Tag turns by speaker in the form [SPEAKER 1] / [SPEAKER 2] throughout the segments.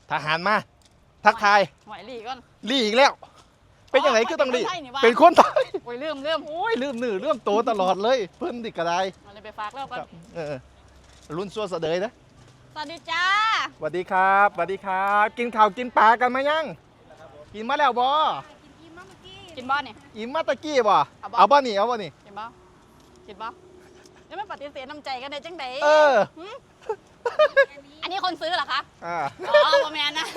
[SPEAKER 1] ทหารมาทักทาย
[SPEAKER 2] หอยหลีก่อน
[SPEAKER 1] ลี่อีกแล้วเป็นยังไงก็ต้องลี่
[SPEAKER 2] เป็
[SPEAKER 1] เป็น
[SPEAKER 2] น
[SPEAKER 1] ค
[SPEAKER 2] คน น
[SPEAKER 1] ไท
[SPEAKER 2] ไท
[SPEAKER 1] ย
[SPEAKER 2] โอ้ยลืม
[SPEAKER 1] โอ้ยลืมหนือเรื่องโตตลอดเลยเพิ่นดิกระได
[SPEAKER 2] มันเลยไปฝากแล้วก่อน
[SPEAKER 1] รุ่นซัวเสดยนะ
[SPEAKER 2] สวัสดีจ้า
[SPEAKER 1] สวัสดีครับสวัสดีครับ กินข้าวกินปลากันมายังกินมาแล้วบ่
[SPEAKER 2] กินบ้านเนี่ย
[SPEAKER 1] อิ่มมาตะกี้บ่
[SPEAKER 2] เอาบ่
[SPEAKER 1] เอาบ่นี่เอาบ่นี่
[SPEAKER 2] กินบ้ากินบ้าแล้วไม่ปฏิเสธน้ำใจกันได้จังได
[SPEAKER 1] เออ
[SPEAKER 2] อันนี้คนซื้อเหรอคะ
[SPEAKER 1] อ่า
[SPEAKER 2] อ๋อประมาณนะ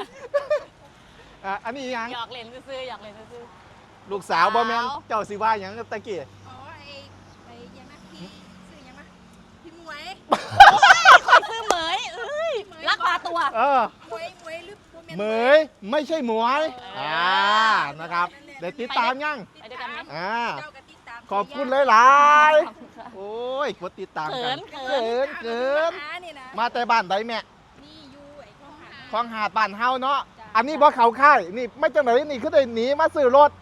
[SPEAKER 1] อันนี้ยัง
[SPEAKER 2] หยอกเล่นซื้อๆหยอกเล่นซื้อ
[SPEAKER 1] ลูกสาวบ่แม่น
[SPEAKER 2] สาว
[SPEAKER 1] เจ้าสิว่าหยังตะกี้
[SPEAKER 3] อ๋อไอ้ยังนะพี่ชื่อยังนะพี่หมวย
[SPEAKER 2] ๆคอยซื้อเหมยเอ้ยรักพาตัว
[SPEAKER 1] เออ
[SPEAKER 3] หมวยหมวยหรือโมเมนต์
[SPEAKER 1] เหมยไม่ใช่หมวย
[SPEAKER 2] เออ
[SPEAKER 1] นะครับเดี๋ยวติดตามยัง
[SPEAKER 2] ไปด้วยกันไหม
[SPEAKER 3] เจ้ากับติดตาม
[SPEAKER 1] ขอบคุณหลายๆโอ้ยกดติดตามกัน
[SPEAKER 2] เขิน
[SPEAKER 1] เกิน
[SPEAKER 3] หานี่นะ
[SPEAKER 1] มาแต่บ้านใดแม่
[SPEAKER 3] นี่อยู่ไอ้ข้องหา
[SPEAKER 1] คลองหาดบ้านเฮาเนาะอันนี้บ่เขาค่ายนี่ไม่จังไหนนี่คือได้หนีมาซื้อรถ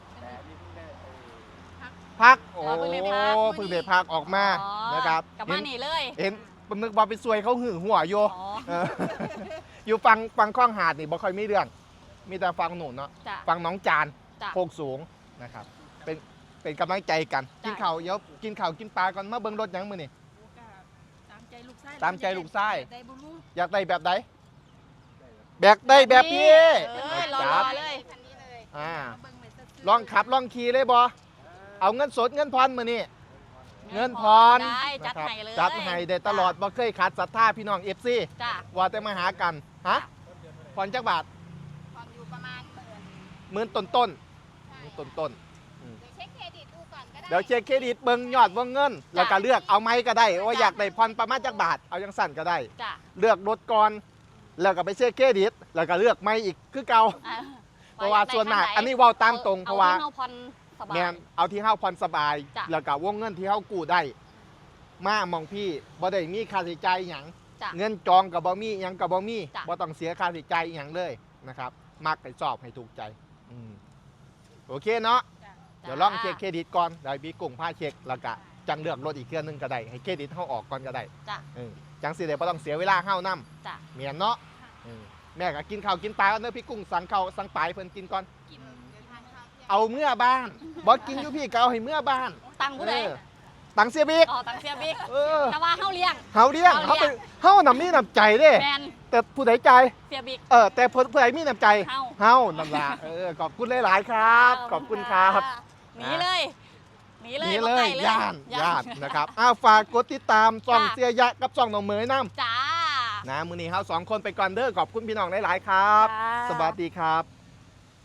[SPEAKER 1] พักโอ้เพิ่งได้พักออกมา
[SPEAKER 2] อ๋อ
[SPEAKER 1] นะครับ
[SPEAKER 2] กลับบ้านหนีเลย
[SPEAKER 1] เห็นนึกว่าไปซวยเขาหึงหัวโย
[SPEAKER 2] อ๋อ
[SPEAKER 1] เอออยู่ฟังคลองหาดนี่บ่ค่อยมีเรื่อง มีแต่ฟังหนูเนาะ
[SPEAKER 2] จ้ะ
[SPEAKER 1] ฟังน้องจาน
[SPEAKER 2] จ้ะ
[SPEAKER 1] โคกสูงนะครับเป็นกำลังใจกัน
[SPEAKER 2] จ้ะ
[SPEAKER 1] กินข้าวเดี๋ยวกินข้าวกินปลาก่อนมาเบิ่งรถหยังมื้อนี่
[SPEAKER 3] ตามใจลูกไส้
[SPEAKER 1] ตามใจลูกไส้
[SPEAKER 3] ได้บุรุษ
[SPEAKER 1] อยากได้แบบใดแบบได้แบบพี่
[SPEAKER 2] เอ้ยรอ
[SPEAKER 1] จับ
[SPEAKER 2] เลย
[SPEAKER 3] คันนี้เลย
[SPEAKER 1] อ่า
[SPEAKER 3] เบิ่งเหมือนจะซื้
[SPEAKER 1] ลองขับลองขี่เลยบอเอาเงินสดเงินพรมื้อนี่เงินพร
[SPEAKER 2] ได้จัด
[SPEAKER 1] นะครับ
[SPEAKER 2] ให้เลย
[SPEAKER 1] จัดให้ได้ตลอดบ่เคยขาดศรัทธาพี่น้อง FC
[SPEAKER 2] จ้ะ
[SPEAKER 1] ว่าแต่มาหากันฮะพรจักบาท
[SPEAKER 3] ความอยู่ประมาณ
[SPEAKER 1] หมื่นต้นต้น
[SPEAKER 3] เดี๋ยวเช็คเครดิตดูก่อนก็ได้
[SPEAKER 1] เดี๋ยวเช็คเครดิตเบิ่งยอดวงเงิน แล้วก็เลือกเอาไหมก็ได้ว่าอยากได้พรประมาณจักบาทเอาจังสั่นก็ได้
[SPEAKER 2] จ้ะ
[SPEAKER 1] เลือกรถก่อนแล้วก็ไปเช็คเครดิตแล้วก็เลือกไม่อีกคือเก่า
[SPEAKER 2] อ่ะ
[SPEAKER 1] เพราะว่าส่วนมากอันนี้เว้าตามตรงเพราะว่า
[SPEAKER 2] อที่เฮผ่อนสบาย
[SPEAKER 1] แม่นเอาที่เฮาผ่อนสบาย
[SPEAKER 2] จ้ะ
[SPEAKER 1] แล้วก็วงเงินที่เฮากู้ได้ มามองพี่บ่ได้มีค่าใช้จ่ายหยัง
[SPEAKER 2] จ้ะ
[SPEAKER 1] เงินจองกับบ่มีหยังกับบ่มี
[SPEAKER 2] จ้ะ
[SPEAKER 1] บ่ต้องเสียค่าใช้จ่ายหยังเลยนะครับมักให้สอบให้ถูกใจอืมโอเคเนาะเดี๋ยวลองเช็คเครดิตก่อนได้บีกุ้งพาเช็คแล้วก็จังเลือกรถอีกเครื่องหนึงก็ได้ให้เครดิตเฮาออกก่อนก็ได้
[SPEAKER 2] จ้ะ
[SPEAKER 1] จังสิได้บ่ต้องเสียเวลาเฮานํ
[SPEAKER 2] จ้ะ
[SPEAKER 1] เมียนเนาะแม่ก็กินข้าวกินปลาเด้อพี่กุ้งสั่งข้าวสั่งปลาให้เพิ่นกินก่อน
[SPEAKER 3] กินทานข้าวเที่ยง
[SPEAKER 1] เอาเมื่อบ้านบ่กินอยู่พี่ก็เอาให้เมื่อบ้าน
[SPEAKER 2] ตังค์ผู้ใด
[SPEAKER 1] ตังเสียบิ๊ก
[SPEAKER 2] อ๋อตังค์เสียบิ๊ก
[SPEAKER 1] เออ
[SPEAKER 2] แต่ว่าเฮาเลี้ยง
[SPEAKER 1] เฮาเลี้ยง
[SPEAKER 2] เฮา
[SPEAKER 1] เฮา
[SPEAKER 2] เลี้
[SPEAKER 1] เป็
[SPEAKER 2] ย
[SPEAKER 1] น
[SPEAKER 2] ง
[SPEAKER 1] เฮาน่ะมีน้ำใจเด้
[SPEAKER 2] แมน
[SPEAKER 1] แต่ผู้ใดใจาย
[SPEAKER 2] เสียบิ๊ก
[SPEAKER 1] แต่ผู้ใดมีน้ำใจ
[SPEAKER 2] เฮา
[SPEAKER 1] เฮานั่นล่ะขอบคุณหลายๆครับ ขอบคุณครับ
[SPEAKER 2] หนีเลยหนีเลย
[SPEAKER 1] นี่
[SPEAKER 2] บ่
[SPEAKER 1] เล
[SPEAKER 2] ไก
[SPEAKER 1] ยย่านนะครับฝากกดติดตามส่อง
[SPEAKER 2] จ้ะ
[SPEAKER 1] เสียยะกับส่องหนองเหมยน้
[SPEAKER 2] จ้า
[SPEAKER 1] ำนะมื้อนี้เฮาสองคนไปก่อนเด้อขอบคุณพี่น้องหลายๆครับ
[SPEAKER 2] จ้า
[SPEAKER 1] สวัสดีครับ